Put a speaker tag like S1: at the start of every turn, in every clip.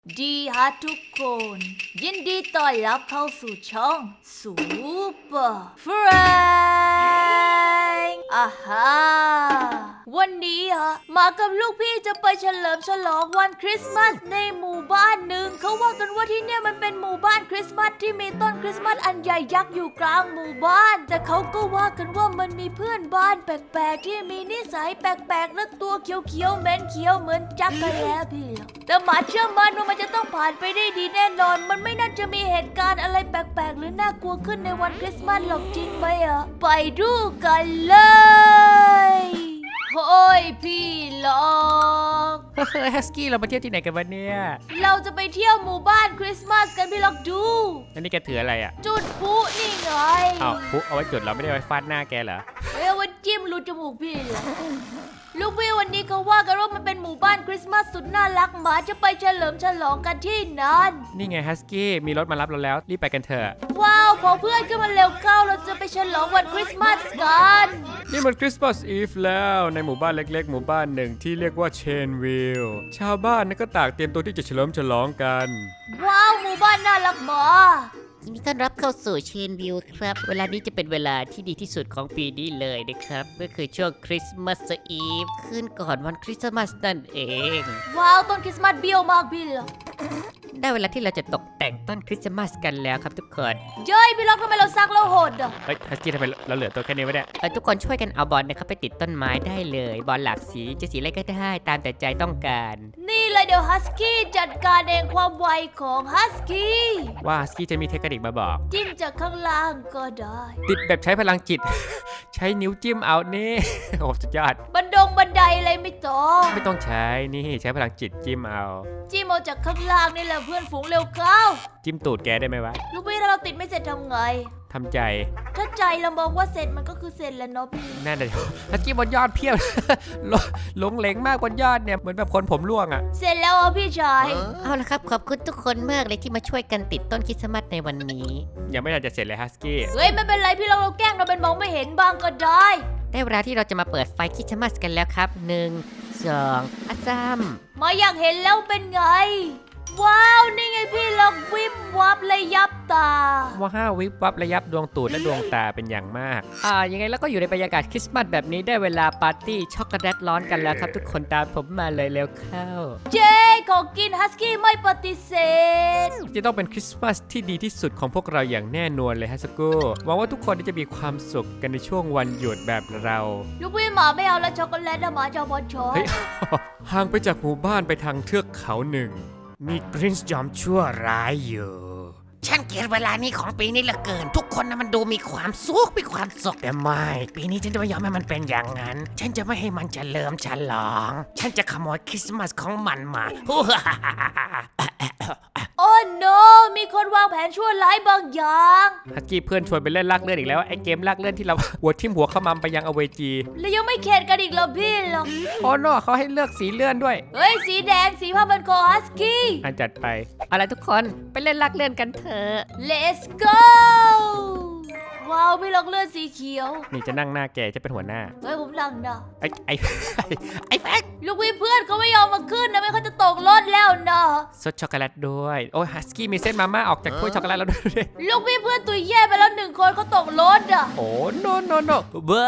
S1: ดีฮะทุกคนยินดีต้อนรับเข้าสู่ช่องซูเปอร์เฟรนด์วันนี้มากับลูกพี่จะไปเฉลิมฉลองวันคริสต์มาสในหมู่บ้านหนึ่งเขาว่ากันว่าที่เนี่ยมันเป็นหมู่บ้านคริสต์มาสที่มีต้นคริสต์มาสอันใหญ่ยักษ์อยู่กลางหมู่บ้านแต่เขาก็ว่ากันว่ามันมีเพื่อนบ้านแปลกๆที่มีนิสัยแปลกๆและตัวเขียวๆเหม็นเขียวเหมือนจักรแล้พี่แต่หมาเชื่อมั่นว่ามันจะต้องผ่านไปได้ดีแน่นอนมันไม่น่าจะมีเหตุการณ์อะไรแปลกๆหรือน่ากลัวขึ้นในวันคริสต์มาสหรอกจริงไหมไปดูกันเลยโอ้ยพี่ล็อก
S2: ฮัสกี้เรามาเที่ยวที่ไหนกันวันนี้
S1: เราจะไปเที่ยวหมู่บ้านคริสต์มาสกันพี่ล็อกดู
S2: อันนี้แกถืออะไรอ่ะ
S1: จุดพลุนี่ไง
S2: อ้าวพลุเอาไว้จุดเราไม่ได้ไว้ฟาดหน้าแกเหรอ
S1: เอาไว้จิ้มรูจมูกพี่เหรอลูกพี่วันนี้เขาว่ากันว่ามันเป็นหมู่บ้านคริสต์มาสสุดน่ารักหมาจะไปเฉลิมฉลองกันที่นั่น
S2: นี่ไงฮัสกี้มีรถมารับเราแล้วรีบไปกันเถอะ
S1: ว้าวพอเพื่อนขึ้นมาเร็วเข้าเราจะไปฉลองวันคริสต์มาสกัน
S2: นี่มันคริสต์มาสอีฟแล้วในหมู่บ้านเล็กๆหมู่บ้านหนึ่งที่เรียกว่าเชนวิลล์ชาวบ้านก็ต่างเตรียมตัวที่จะเฉลิมฉลองกัน
S1: ว้าวหมู่บ้านน่ารักหมา
S3: ยินดีต้อนรับเข้าสู่เชนวิวครับเวลานี้จะเป็นเวลาที่ดีที่สุดของปีนี้เลยนะครับก็คือช่วงคริสต์มาสอีฟขึ้นก่อนวันคริสต์มาสนั่นเอง
S1: ว้าวต้นคริสต์มาสเบี้ยวมากพี่เหรอ
S3: ได้เวลาที่เราจะตกแต่งต้นคริสต์มาสกันแล้วครับทุกคน
S1: เย้ยพี่ล็อกทำไมเราซักแล้วโหด
S2: เฮ้ยฮัสกี้ทำไมเราเหลือตัวแค่นี้วะเนี่ย
S3: ทุกคนช่วยกันเอาบอลนะครับไปติดต้นไม้ได้เลยบอลหลากสีจะสีอะไรก็ได้ตามแต่ใจต้องการ
S1: นี่เลยเดี๋ยวฮัสกี้จัดการเองความไวของฮัสกี้
S2: ว่าฮัสกี้จะมีเทคนิคมาบอก
S1: จิ้มจากข้างล่างก็ได้
S2: ติดแบบใช้พลังจิต ใช้นิ้วจิ้มเอานี่โอ้สุดยอด
S1: บันไดอะไรไม่
S2: ต้องใช้นี่ใช้พลังจิตจิ้มเอา
S1: จิ้มเอาจากข้างล่างนี่แหละเพื่อนฝูงเร็วเข้า
S2: จิ้มตูดแกได้ไหมวะ
S1: ลูกพี่ถ้าเราติดไม่เสร็จทำไง
S2: ทำใจ
S1: ถ้าใจเรามองว่าเสร็จมันก็คือเสร็จแล้วเนาะพี่
S2: นั่นเลยฮัสกี้บนยอดเพียบ หลงเหลงมากบนยอดเนี่ยเหมือนแบบคนผมร่วงอ่ะ
S1: เสร็จแล้วพี่ชาย
S3: เอาละครับขอบคุณทุกคนมากเลยที่มาช่วยกันติดต้นคริสต์มาสในวันนี้
S2: ยังไม่ทันจะเสร็จเลยฮัสกี้
S1: เฮ้ยไม่เป็นไรพี่เราแกล้งเราเป็นมองไม่เห็นบ้างก็ได้
S3: ได้เวลาที่เราจะมาเปิดไฟคริสต์มาสกันแล้วครับ1 2อาซัม
S1: มาอยากเห็นแล้วเป็นไงว้าวนี่ไงพี่ล็อกวิบวับเลยยับตา
S2: ว้าววิบวับระยับดวงตูดและดวงตาเป็นอย่างมากยังไงแล้วก็อยู่ในบรรยากาศคริสต์มาสแบบนี้ได้เวลาปาร์ตี้ช็อกโกแลตร้อนกันแล้วครับทุกคนตามผมมาเลยเร็วเข้า
S1: เจ๊ขอกินฮัสกี้ไม่ปฏิเสธ
S2: จะต้องเป็นคริสต์มาสที่ดีที่สุดของพวกเราอย่างแน่นอนเลยฮัสกูหวังว่าทุกคนจะมีความสุขกันในช่วงวันหยุดแบบเรา
S1: ลูกพี่หมาไม่เอาแล้วช็อกโกแลตหมาจะบอลช็อก
S2: ห่างไปจากหมู่บ้านไปทางเทือกเขาหนึ่งมีพรินซ์จอมชั่วร้ายอยู่
S3: ฉันเกลียดเวลานี้ของปีนี้เหลือเกินทุกคนมันดูมีความสุข
S2: แต่ไม่ปีนี้ฉันจะไม่ยอมให้มันเป็นอย่างนั้นฉันจะไม่ให้มันเฉลิมฉลองฉันจะขโมยคริสต์มาสของมันมา
S1: โอ้ no มีคนวางแผนชั่วร้ายบางอย่าง
S2: ฮัสกี้เพื่อนชวนไปเล่นลากเลื่อนอีกแล้วไอ้เกมลากเลื่อนที่เราหัวทิ่มหัวเข้ามาไปยังอเวจี
S1: แล้วยังไม่เข็ดกันอีกเหรอพี่หรอ
S2: โอ้โนเขาให้เลือกสีเลื่อนด้วย
S1: เฮ้ยสีแดงสีผ้าพันคอฮัสกี้
S2: จัดไป
S3: อะไรทุกคนไปเล่นลากเลื่อนกันเถอะ
S1: Let's go ว้าวพี่ล็อกเลือดสีเขียว
S2: นี่จะนั่งหน้าแกจะเป็นหัวหน้า
S1: เฮ้ยผมนั่งนะ
S2: ไอ้แฟก
S1: ลูกพี่เพื่อนเขาไม่ยอมมาขึ้นนะไม่เขาจะตกรถแล้วนะ
S2: ซดช็อกโกแลตด้วยโอ้ยฮัสกี้มีเส้นมาม่าออกจากถ้วยช็อกโกแลตแล้วด้วย
S1: ลูกพี่เพื่อนตัวแย่ไปแล้ว1 คนเขาตกรถอ่ะ
S2: โอ้ no บ้า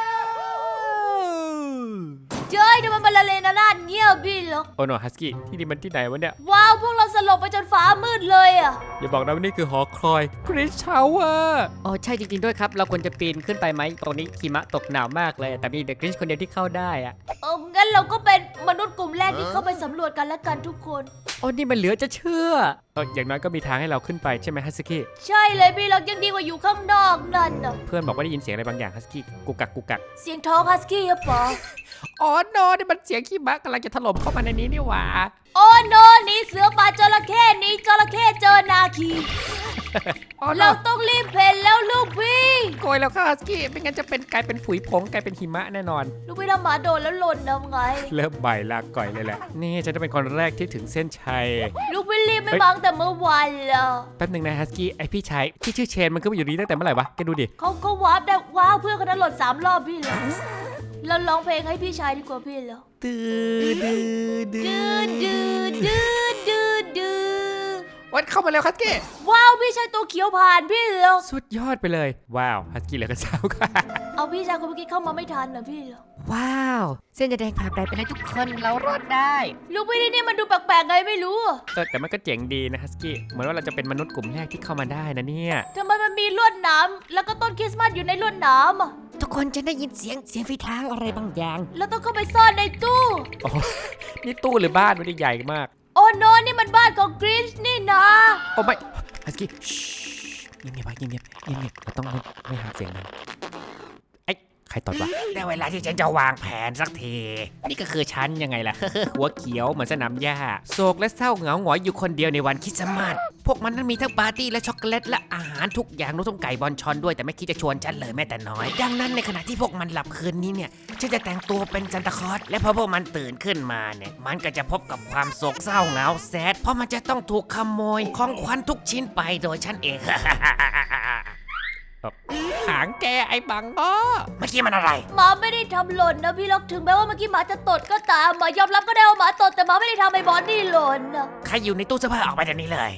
S1: เจ้ยทำไมมันละเลนราดเงียบพี่หรอ
S2: โอ้โนฮัสกี้ที่นี่มันที่ไหนวะเนี่ย
S1: ว้าวพวกเราสลบไปจนฟ้ามืดเลยอ่ะ
S2: อย่าบอกนะว่านี่คือหอคอยคริสชาวเวอร์
S3: อ๋อใช่จริงๆด้วยครับเราควรจะปีนขึ้นไปไหมตรงนี้หิมะตกหนาวมากเลยแต่มีเด็กคริสคนเดียวที่เข้าได้อ่ะ
S1: งั้นเราก็เป็นมนุษย์กลุ่มแรกที่เข้าไปสำรวจกันและกันทุกคน
S2: โอ้นี่มันเหลือจะเชื่ออย่างน้อยก็มีทางให้เราขึ้นไปใช่ไหมฮัสกี้
S1: ใช่เลยพี่เรายังดีกว่าอยู่ข้างนอกนั่นน่ะ
S2: เพื่อนบอกว่าได้ยินเสียงอะไรบางอย่างฮัสกี้กุกกัก
S1: เสียงท้องฮัสกี้หรือเปล่า
S2: อ๋อโนนี่มันเสียงขี้มะกำลังจะถล่มเข้ามาในนี้นี่หว่า
S1: โอ้โนนี่เสือป่าจระเข้นี่จระเข้เจอนาคีเราต้องรีบเพนแล้วลูกพี่
S2: โกยแล้วค่ะฮัสกี้ไม่งั้นจะเป็นกลายเป็นฝุ่ยผงกลายเป็นหิมะแน่นอน
S1: ลูกพี่ทำหมาโดนแล้วหล่นทำไง
S2: เริ่มใบลากก่อยเลยแหละนี่ฉันจะเป็นคนแรกที่ถึงเส้นชัย
S1: ลูกพี่รีบไม่บังแต่เมื่อวานแล้ว
S2: แป๊บนึงนะฮัสกี้ไอพี่ชายที่ชื่อเชนมันขึ้นมาอยู่นี่ตั้งแต่เมื่อไหร่วะแกดูดิ
S1: เขาวาร์ปได้ว้าวเพื่อนคนนั้นหล่น3 รอบพี่เลยเราร้องเพลงให้พี่ชายดีกว่าพี่แล้ว
S2: ดื้อวันเข้ามาแล้วฮัสกี้
S1: ว้าวพี่ชายตัวเขียวผ่านพี่เหรอ
S2: สุดยอดไปเลยว้าวฮัสกี้เหลือกระเช้าค่ะ
S1: เอาพี่ชายคนเมื่อกี้เข้ามาไม่ทันนะพี่เหรอ
S3: ว้าว เส้นจะแดงผ่านไปเลยทุกคนเรารอดได้
S1: ลูกพี่นี่มันดูแปลกๆไงไม่รู้อะ
S2: แต่มันก็เจ๋งดีนะฮัสกี้เหมือนว่าเราจะเป็นมนุษย์กลุ่มแรกที่เข้ามาได้นะเนี่ย
S1: ทำไมมันมีลวดหนามแล้วก็ต้นคริสต์มาสอยู่ในลวดหนามอะ
S3: ทุกคนจะได้ยินเสียงฝีเท้าอะไรบางอย่าง
S1: แล้วต้องเข้าไปซ่อนในตู้
S2: โอ้นี่ตู้หรือบ้านมันใหญ่มาก
S1: โอ้โนนี่มันบ้านของกริชนี่นะ
S2: โอ้ไม่ฮัสกี้เงียบๆเงียบๆเราต้องไม่ทำเสียงดังไอ้ใครตดวะ
S3: ได้เวลาที่ฉันจะวางแผนสักที
S2: นี่ก็คือฉันยังไงล่ะ หัวเขียวเหมือนสนามหญ้าโศกและเศร้าเหงาหงอยอยู่คนเดียวในวันคริสต์มาสพวกมันนั้นมีทั้งปาร์ตี้และช็อกโกแลตและอาหารทุกอย่างรวมทั้งไก่บอลชอนด้วยแต่ไม่คิดจะชวนฉันเลยแม้แต่น้อย ดังนั้นในขณะที่พวกมันหลับคืนนี้เนี่ยฉันจะแต่งตัวเป็นซันตาคลอสและพอพวกมันตื่นขึ้นมาเนี่ยมันก็จะพบกับความโศกเศร้าเหงาแซดเพราะมันจะต้องถูกขโมยของขวัญทุกชิ้นไปโดยฉันเองหางแกไอ้บังอ้อ
S3: เมื่อกี้มันอะไร
S1: หมาไม่ได้ทำหล่นนะพี่ล็อกถึงแม้ว่าเมื่อกี้หมาจะตดก็ตามหมายอมรับก็ได้ว่าหมาตดแต่หมาไม่ได้ทำไอ้บอสนี่หล่นนะ
S3: ใครอยู่ในตู้เสื้อผ้าออกไปเดี๋ยวนี้เลย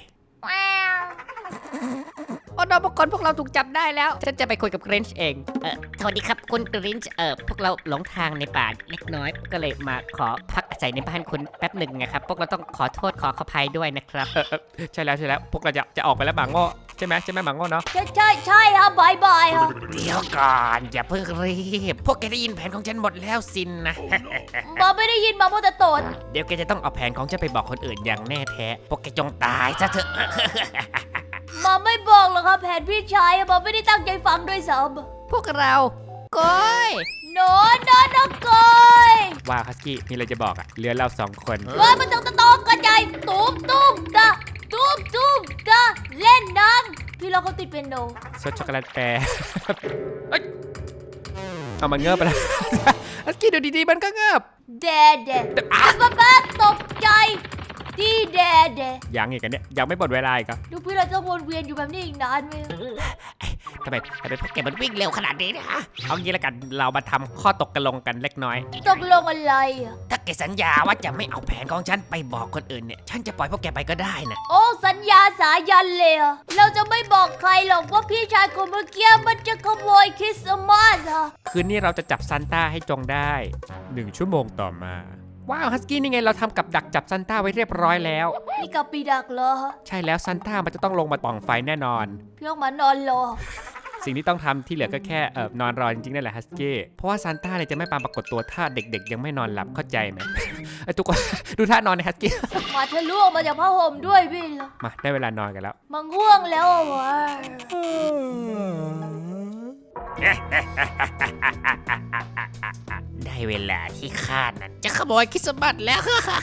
S2: โอ้นพวกคนพวกเราถูกจับได้แล้วฉันจะไปคุยกับเกรนช์เอง
S3: สวัสดีครับคุณกรินช์พวกเราหลงทางในป่าเล็กน้อย ก็เลยมาขอพักอาศัยในบ้านคุณแป๊บหนึ่งนะครับ พวกเราต้องขอโทษขออภัยด้วยนะครับ
S2: ใช่แล้วพวกเราจะออกไปแล้วบังอ้อใช่ไหมบังอ้อเนาะ
S1: ใช่ครับบายบายครับ
S3: เดี๋ยวก่อนอย่าเพิ่งรีบ พวกแกได้ยินแผนของฉันหมดแล้วสินนะ
S1: หมาไม่ได้ยินหมาโมวแต่ตด
S3: เดี๋ยวแกจะต้องเอาแผนของฉันไปบอกคนอื่นอย่างแน่แท้ พวกแกจงตายซะเถอะ
S1: หมาไม่บอกหรอกครับแผนพี่ชายอะหมาไม่ได้ตั้งใจฟังด้วยซ้
S3: พวกเราก้อย
S1: ำโนกอย
S2: ว้าวฮัสกี้มีอะไรจะบอกอะเหลือเรา2 คน
S1: เฮ้ยมันต้องตองกันใหญ่ตุ้มตะเล่นน้ำพี่ล็อกเขาติดเป็นโน
S2: ซดช็อกโกแลตแปร เอ้ยเอามันเงือบไปแล้ว ฮัสกี้ดูดีๆมันก็เงือบ
S1: แดบ้าตกใจที่แด
S2: ยังอีกกันเนี่ยยังไม่หมดเวลาอีกอ่ะ
S1: ดูพี่เราจะวนเวียนอยู่แบบนี้อีกนานไหม
S3: ทำไมพวกแกมันวิ่งเร็วขนาดนี้นะฮะ
S2: เอางี้ละกันเรามาทำข้อตกกันลงกันเล็กน้อย
S1: ตกลงอะไรอะ
S3: ถ้าแกสัญญาว่าจะไม่เอาแผนของฉันไปบอกคนอื่นเนี่ย ฉันจะปล่อยพวกแกไปก็ได้นะ
S1: โอ้สัญญาสายันเลยอะเราจะไม่บอกใครหรอกว่าพี่ชายคนเมื่อกี้มันจะขโมยคริสต์มาสอะ
S2: คืนนี้เราจะจับซานต้าให้จงได้ 1 ชั่วโมงต่อมา ว้าวฮัสกี้นี่ไงเราทำกับดักจับซานต้าไว้เรียบร้อยแล้ว
S1: นี่กับปีดักเหรอ
S2: ใช่แล้วซานต้ามันจะต้องลงมาปล่องไฟแน่นอน
S1: พี่ออกมานอนรอ
S2: สิ่งที่ต้องทำที่เหลือก็แค่นอนรอจริงๆนั่นแหละฮัสกี้เพราะว่าซานต้าเนี่ยจะไม่ปรากฏตัวถ้าเด็กๆยังไม่นอนหลับเข้าใจไหม ไอ้ทุกคน ดูท่านอนในฮัสกี้
S1: มาทะลุออกมาจากผ้าห่มด้วยพี่เหรอ
S2: มาได้เวลานอนกันแล้ว
S1: มันง่วงแล้วอะวะ
S3: ได้เวลาที่ข้านั้นจะขโมยคริสต์มาสแล้ว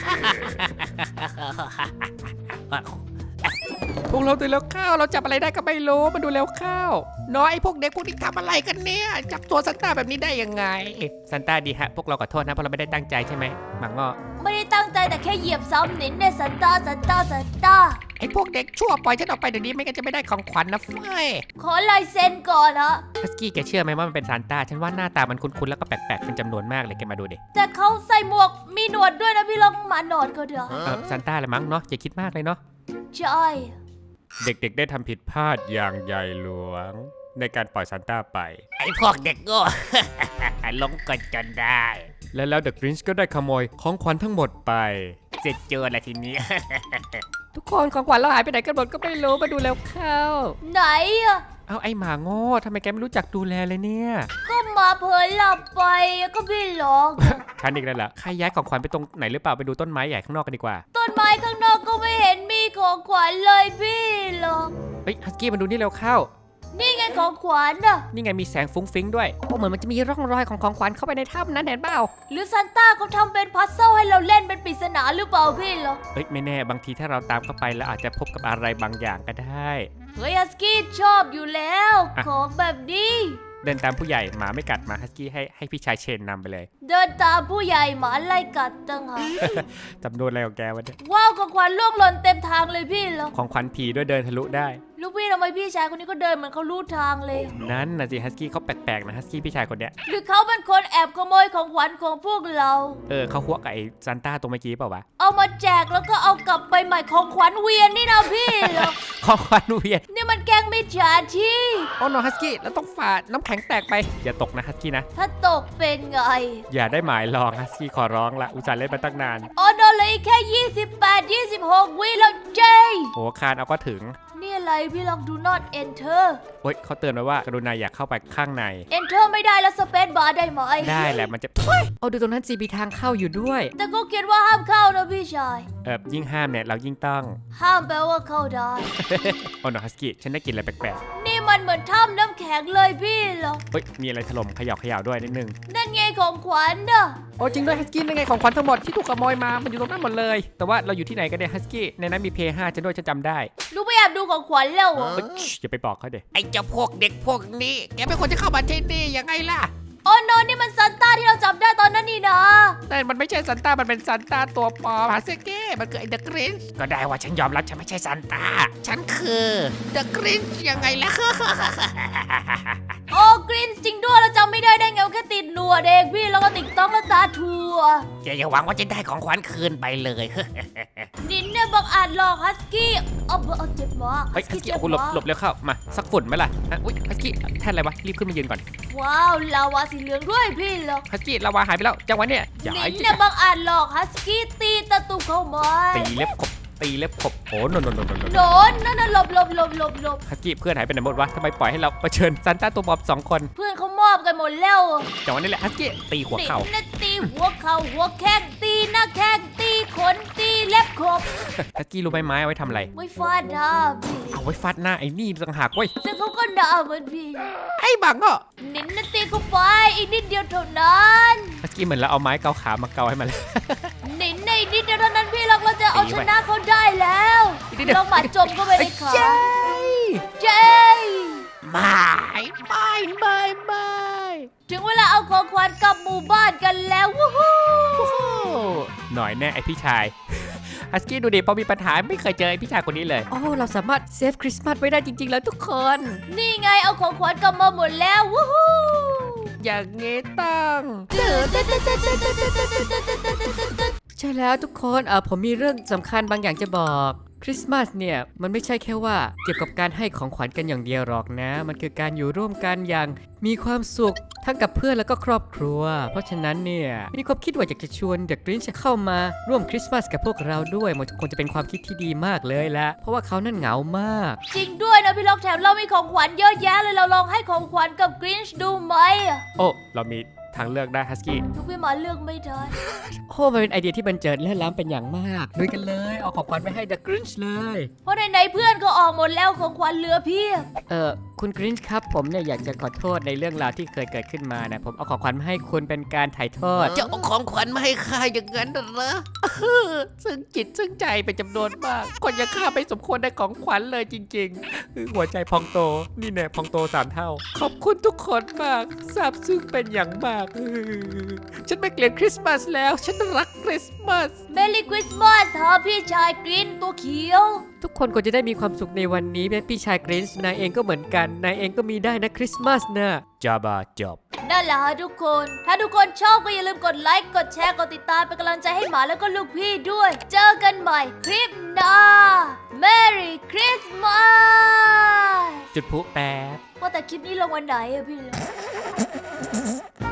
S2: พวกเราตื่นแล้วข้าวเราจับอะไรได้ก็ไม่รู้มาดูแล้วข้าวน้อยไอ้พวกเด็กพวกนี้ทำอะไรกันเนี่ยจับตัวซานต้าแบบนี้ได้ยังไงซานต้าดีฮะพวกเราขอโทษนะเพราะเราไม่ได้ตั้งใจใช่ไหมมังงอ
S1: ไม่ได้ตั้งใจแต่แค่เหยียบซ้ำหนินเนี่ยสันตา
S2: ไอ้พวกเด็กชั่วปล่อยฉันออกไปเดี๋ยวนี้ไม่งั้นจะไม่ได้ของขวัญนะเฟ้ย
S1: ขอลายเซ็นก่อนฮะ
S2: ฮัสกี้แกเชื่อไหมว่ามันเป็นซานต้าฉันว่าหน้าตามันคุ้นๆแล้วก็แปลกๆเป็นจำนวนมากเลยแกมาดูดิ
S1: แต่เขาใส่หมวกมีหนวดด้วยนะพี่ลองหมาหนวดก็เถอะ
S2: ซานต้าเลยมั้งเนาะอย่าคิดมากเลยเนาะ
S1: ใช่
S2: เด็กๆได้ทำผิดพลาดอย่างใหญ่หลวง ในการปล่อยซานต้าไป
S3: ไอ้พวกเด็กโง่ ลงกลจนได้
S2: แล้วเดอะกรินช์ก็ได้ขโมยของขวัญทั้งหมดไป
S3: เสร็จเจอละทีนี้
S2: ทุกคนของขวัญเราหายไปไหนกันหมดก็ไม่รู้มาดูแล้วเข้า
S1: ไหนอะ
S2: เอาไอ้หมาโง่ทำไมแกไม่รู้จักดูแลเลยเนี่ย
S1: ก็มาเผลอหลับไปก็พี่หลอก
S2: ฉันอีกแล้วล่ะใครย้ายของขวัญไปตรงไหนหรือเปล่าไปดูต้นไม้ใหญ่ข้างนอกกันดีกว่า
S1: ต้นไม้ข้างนอกก็ไม่เห็นมีของขวัญเลยพี่หรอก
S2: เฮ้ยฮัสกี้มาดูนี่เร็วเข้า
S1: นี่ไงของขวัญอะ
S2: นี่ไงมีแสงฟุ้งฟิ้งด้วย
S3: โอ้เหมือนมันจะมีร่องรอยของขวัญเข้าไปในถ้ำนั้นเห็นเปล่า
S1: หรือซันต้าเขาทำเป็นพัซเซิลให้เราเล่นเป็นปริศนาหรือเปล่าพี่หรอก
S2: เอ้ยไม่แน่บางทีถ้าเราตามเข้าไปแล้วอาจจะพบกับอะไรบางอย่างก็ได้
S1: เฮ้ยฮัสกี้ชอบอยู่แล้ว
S2: อ่ะ
S1: ของแบบนี้
S2: เดินตามผู้ใหญ่หมาไม่กัดหมาฮัสกี้ให้พี่ชายเชนนำไปเลย
S1: เดินตามผู้ใหญ่หมาไล่กัดตั้งหาก
S2: จำนวนอะไรของแกวะเนี่ย
S1: ว้าวของขวัญล่วงหล่นเต็มทางเลยพี่หรอก
S2: ของขวัญผีด้วยเดินทะลุได้
S1: ลูกพี่ทำไมพี่ชายคนนี้ก็เดินเหมือนเขารู้ทางเลย
S2: นั่นนะสิฮัสกี้เขาแปลกๆนะฮัสกี้พี่ชายคนเนี้ย
S1: หรือเขาเป็นคนแอบขโมยของขวัญของพวกเรา
S2: เขาหัวกับไอ้ซันต้าตัวเมื่อกี้เปล่าวะ
S1: เอามาแจกแล้วก็เอากลับไปใหม่ของขวัญเวียนนี่นะพี่เหรอ
S2: ของขวัญเวียน
S1: นี่มันแกล้งมิจฉาชีพ
S2: โอ้โนฮัสกี้แล้วต้องฝ่าน้ำแข็งแตกไปอย่าตกนะฮัสกี้นะ
S1: ถ้าตกเป็นไง
S2: อย่าได้หมายลองฮัสกี้ขอร้องละอุตส่าห์เล่นมาตั้งนาน
S1: อ๋อโดนเลยแค่ 28-26 วิแล้วเจ
S2: โอ้คานเอาก็ถึง
S1: นี่อะไรพี่ลองดู not enter
S2: โอ้ยเขาเตือนไว้ว่ากรุณาอย่าเข้าไปข้างใน
S1: enter ไม่ได้แล้ว space bar ได้ไหม
S2: ได้แหละมันจะเอาดูตรงนั้นสิมีทางเข้าอยู่ด้วย
S1: แต่ก็เขียนว่าห้ามเข้านะพี่ชาย
S2: ยิ่งห้ามเนี่ยเรายิ่งต้อง
S1: ห้ามแปลว่าเข้าได้
S2: โอ้โนฮัสกี้ฉันได้กลินอะไรแปลก
S1: นี่มันเหมือนถ้ำน้ำแข็งเลยพี่เหรอ
S2: ๆเฮ้ยมีอะไรถล่มเขย่าด้วยนิดนึง
S1: นั่นไงของขวัญน่ะ
S2: โอ้จริงด้วยฮัสกี้นั่นไงของขวัญทั้งหมดที่ถูกขโมยมามันอยู่ตรงนั้นหมดเลย แต่ว่าเราอยู่ที่ไหนกันเนี่ยฮัสกี้ในนั้นมีเพย์5ฉันด้วยฉันจำได้
S1: ลูกไปแอบดูของขวัญแล้วเหรอ
S2: อย่าไปบอกเขาเด็
S3: ไอ้เจ้าพวกเด็กพวกนี้ แกเป็นคนจะเข้ามาที่นี่ยังไงล่ะ
S1: อ๋อโนนี่มันซันต้าที่เราจับได้ตอนนั้นนี่นะ
S2: แต่มันไม่ใช่ซันต้ามันเป็นซันต้าตัวปลอมฮัสกี้มันคือไอ้เดอะกรินช์ก็ได้ว่าฉันยอมรับฉันไม่ใช่ซันต้า
S3: ฉันคือเดอะกรินยังไงล่ะ
S1: โอ้กรีนจริงด้วยเราจำไม่ได้ไงว่าแค่ติดหนวดเองพี่แล้วก็ติดต้องและตาทัว
S3: แกอย่าหวังว่าจะได้ของขวัญคืนไปเลย
S1: นินเนี่ยบังอาจหลอกฮัสกี้เอาเจ็บมาก
S2: เฮ้ยฮัสกี้เอาคุณหลบเร็วเข้ามาสักฝุ่นไหมล่ะอุ้ยฮัสกี้แท่นอะไรวะรีบขึ้นมายืนก่อน
S1: ว้าวลาวาสีเหลืองด้วยพี่เหรอ
S2: ฮัสกี้ลาวาหายไปแล้วจังหวะเนี่ยอย่า
S1: นิ
S2: ไอ้
S1: นเนี่ยบังอาจหลอกฮัสกี้ตีตะตุ่มเข้ามา
S2: ตีเล็บขบโอ้โน
S1: โดนนั่นน่ะหลบ
S2: ฮัสกี้เพื่อนหายไปไหนหมดวะทำไมปล่อยให้เราเผชิญซันต้าตัวปลอม2 คน
S1: เพื่อนเขามอบกันหมดแล้ว
S2: จังหวะนี้แหละฮัสกี้ตีหัวเข่า
S1: นินน่ะตีหัวเข่าหัวแข้งตีหน้าแข้งตีขนตีเล็บขบ
S2: ฮัสกี้รู้ไหมไม้เอาไว้ทำอะไร
S1: ไม่ฟาดหน้าพี่
S2: เอาไว้ฟาดหน้าไอ้นี่ต่างหากเว้ย
S1: ซึ่งเขาก็ด่าเหมือนพี่
S2: ไอ้บังอ่ะ
S1: นินน่ะตีเข้าไปอีกนิดเดียวเท่านั้น
S2: ฮัสกี้เหมือนเราเอาไม้เกาขามาเกาให้มันเลย
S1: นินในนิดเดียวเท่านั้นพี่เราจะเอาชนะเขาได้แล้ว
S2: อีกนิดเดียว
S1: ลองหมัดจมเข้าไปในขา
S2: เจ้ย
S1: เจ้ย
S3: ไม่
S1: ถึงเวลาเอาของขวัญกลับหมู่บ้านกันแล้ววู้ฮู้
S2: หน่อยแน่ไอพี่ชาย ฮัสกี้ดูดิพอมีปัญหาไม่เคยเจอไอพี่ชายคนนี้เลย โอ้เราสามารถเซฟคริสต์มาสไว้ได้จริงๆแล้วทุกคน
S1: นี่ไงเอาของขวัญกลับมาหมดแล้ววู้ฮู้
S2: อย่างงี้ต้อง ใช่แล้วทุกคนผมมีเรื่องสำคัญบางอย่างจะบอกคริสต์มาสเนี่ยมันไม่ใช่แค่ว่าเกี่ยวกับการให้ของขวัญกันอย่างเดียวหรอกนะ มันคือการอยู่ร่วมกันอย่างมีความสุขทั้งกับเพื่อนแล้วก็ครอบครัว เพราะฉะนั้นเนี่ยมีความคิดว่าอยากจะชวนเดอะกรินช์เข้ามาร่วมคริสต์มาสกับพวกเราด้วยมันคงจะเป็นความคิดที่ดีมากเลยละเพราะว่าเขานั่นเหงามาก
S1: จริงด้วยนะพี่ล็อกแถมเรามีของขวัญเยอะแยะเลยเราลองให้ของขวัญกับกรีนช์ดูไหม
S2: โอ้เรามีทางเลือกได้ฮัสกี้
S1: ทุกพี่หมาเลือกไม่ได้
S2: โอ้มันเป็นไอเดียที่บันเจิดและล้ำเป็นอย่างมากลุยกันเลยเอาของขวัญไปให้เดอะกรินช์เลย
S1: เพราะในเพื่อนก็ออกหมดแล้วของขวัญเหลือเพียบ
S2: คุณกรินช์ครับผมเนี่ยอยากจะขอโทษในเรื่องราวที่เคยเกิดขึ้นมานะผมเอาของขวัญมาให้คุณเป็นการถ่ายโทษ
S3: จะเอาของขวัญมาให้ข้าอย่างนั้นเหรอ
S2: ซึ่งจิตซึ่งใจเป็นจำนวนมากคนอย่างข้าไม่สมควรได้ของขวัญเลยจริงๆหัวใจพองโตนี่แน่พองโต3 เท่า ขอบคุณทุกคนมากซาบซึ้งเป็นอย่างมากฉันไม่เกลียดคริสต์มาสแล้วฉันรักคริสต์มาส
S1: เมรี่คริสต์มาสฮะพี่ชายกรีนตัวเขียว
S2: ทุกคนควรจะได้มีความสุขในวันนี้แม้พี่ชายกรินช์นายเองก็เหมือนกันนายเองก็มีได้นะคริสต์มาสนะจบ
S1: นั่นแหละฮะทุกคน ถ้าทุกคนชอบก็อย่าลืมกดไลค์ กดแชร์ กดติดตามเป็นกำลังใจให้หมาแล้วก็ลูกพี่ด้วย เจอกันใหม่คลิปหน้า Merry Christmas
S2: จุดพลุแป๊บ
S1: ว่าแต่คลิปนี้ลงวันไหนอะพี่